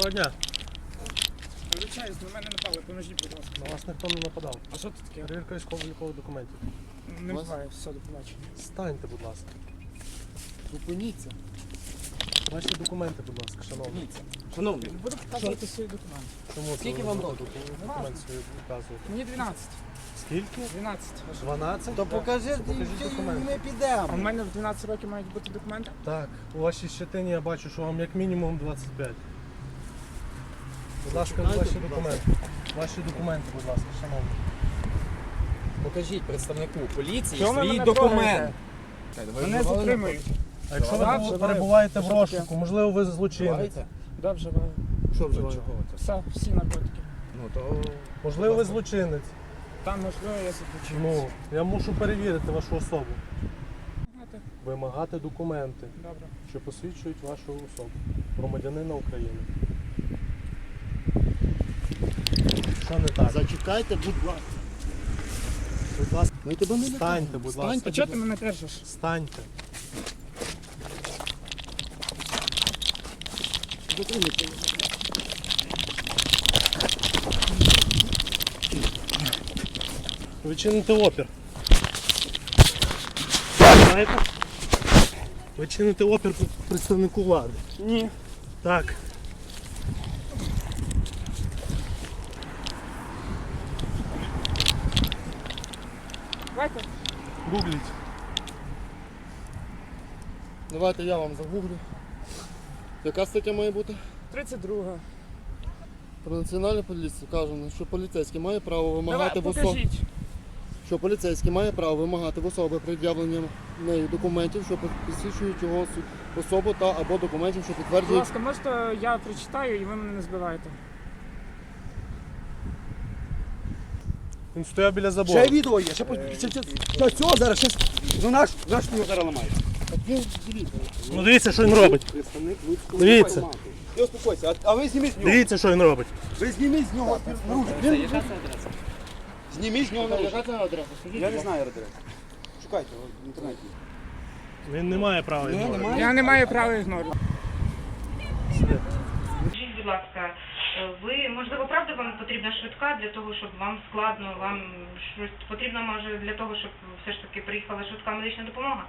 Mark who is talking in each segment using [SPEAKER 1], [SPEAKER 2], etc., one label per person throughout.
[SPEAKER 1] Доброго дня.
[SPEAKER 2] Вибачаюсь, на мене напали, поможіть, будь ласка.
[SPEAKER 1] На вас ніхто не нападав.
[SPEAKER 2] А що це таке?
[SPEAKER 1] Перевірка військово-облікових документів.
[SPEAKER 2] Не буває, все, до побачення.
[SPEAKER 1] Станьте, будь ласка.
[SPEAKER 3] Зупиніться.
[SPEAKER 1] Ваші документи, будь ласка, шановні.
[SPEAKER 3] Зупиніться. Шановний,
[SPEAKER 2] Не буду показувати свої документи.
[SPEAKER 1] Чому це
[SPEAKER 3] Скільки
[SPEAKER 1] ви
[SPEAKER 3] вам
[SPEAKER 1] не
[SPEAKER 3] років?
[SPEAKER 1] будете документи свої показувати?
[SPEAKER 2] Мені 12.
[SPEAKER 1] Скільки?
[SPEAKER 2] 12.
[SPEAKER 1] 12?
[SPEAKER 3] то покажи,
[SPEAKER 1] Покажіть
[SPEAKER 3] і
[SPEAKER 1] документи.
[SPEAKER 3] ми
[SPEAKER 2] А в
[SPEAKER 3] підемо.
[SPEAKER 2] мене в 12 років мають бути документи?
[SPEAKER 1] Так, у вашій щетині я бачу, що вам як мінімум 25. Будь ласка,
[SPEAKER 3] Почекайте,
[SPEAKER 1] ваші
[SPEAKER 3] будь
[SPEAKER 1] документи. Ваші документи, будь ласка, шановні.
[SPEAKER 3] Покажіть представнику поліції
[SPEAKER 2] Чого ви
[SPEAKER 3] свій
[SPEAKER 2] мене
[SPEAKER 3] документ.
[SPEAKER 2] Мене затримують.
[SPEAKER 1] А якщо
[SPEAKER 2] Так,
[SPEAKER 1] ви
[SPEAKER 2] вживаю.
[SPEAKER 1] перебуваєте в
[SPEAKER 2] Що
[SPEAKER 1] розшуку,
[SPEAKER 2] таке?
[SPEAKER 1] можливо, ви злочинець.
[SPEAKER 3] Вживаєте?
[SPEAKER 2] Да, вживаю.
[SPEAKER 3] Що вживаєте?
[SPEAKER 2] Все, всі наркотики.
[SPEAKER 3] Ну то...
[SPEAKER 1] Можливо, ви злочинець.
[SPEAKER 2] Там, можливо, я заключив.
[SPEAKER 1] Ну, я мушу перевірити вашу особу.
[SPEAKER 2] Знаєте,
[SPEAKER 1] Вимагати документи,
[SPEAKER 2] добре.
[SPEAKER 1] що посвідчують вашу особу. Громадянина України. Що не так?
[SPEAKER 3] Зачекайте, будь ласка. Будь ласка. Ми тебе не
[SPEAKER 1] Встаньте, будь ласка.
[SPEAKER 2] А чого ти мене держиш?
[SPEAKER 1] Встаньте.
[SPEAKER 3] Затримайте.
[SPEAKER 1] Ви чините опір. Знаєте? Ви чините опір представнику влади.
[SPEAKER 2] Ні.
[SPEAKER 1] Так.
[SPEAKER 2] Давайте.
[SPEAKER 1] Гугліть.
[SPEAKER 3] Давайте я вам загуглю. Яка стаття має бути?
[SPEAKER 2] 32.
[SPEAKER 3] Про національну поліцію кажемо, що поліцейський має право вимагати
[SPEAKER 2] Давай,
[SPEAKER 3] в особи.
[SPEAKER 2] покажіть.
[SPEAKER 3] Що поліцейський має право вимагати в особи пред'явлення нею документів, що посвідчують його особу та або документів, що
[SPEAKER 2] Будь
[SPEAKER 3] підтверджують.
[SPEAKER 2] ласка, можете я прочитаю і ви мене не збиваєте.
[SPEAKER 1] Він стояв біля забору.
[SPEAKER 4] Ще відео є, ще до цього зараз ще ну наш його зараз ламає.
[SPEAKER 1] Ну дивіться, що він робить.
[SPEAKER 4] Представник людського
[SPEAKER 1] Дивіться.
[SPEAKER 4] формату. Ти успокойся, а ви зніміть з нього.
[SPEAKER 1] Дивіться, що він робить.
[SPEAKER 4] Ви зніміть з нього наружу. Зніміть з нього наружу.
[SPEAKER 3] Яка це адреса? Скажіть,
[SPEAKER 4] Я не
[SPEAKER 3] будь ласка.
[SPEAKER 4] знаю адресу. Шукайте в інтернеті.
[SPEAKER 1] Він не має права ігнорувати.
[SPEAKER 2] Я не маю права ігнорувати.
[SPEAKER 5] Скажіть, будь ласка, ви, можливо, правда вам потрібна швидка для того, щоб вам складно, вам щось потрібно, може, для того, щоб все ж таки приїхала швидка медична допомога?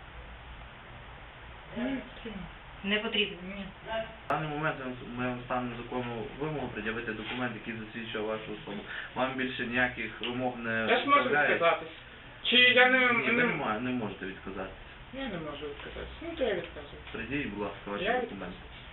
[SPEAKER 5] Не потрібно. Ні.
[SPEAKER 6] В даний момент ми вам станемо законну вимогу пред'явити документ, який засвідчує вашу особу. Вам більше ніяких вимог не
[SPEAKER 2] Я ж можу
[SPEAKER 6] вставляють.
[SPEAKER 2] відказатись. Чи я
[SPEAKER 6] Ні, ви не можете відказатися.
[SPEAKER 2] Я не можу відказатись. Ну, то я відказую.
[SPEAKER 6] Придіть, будь ласка, ваші
[SPEAKER 2] Я
[SPEAKER 6] документи.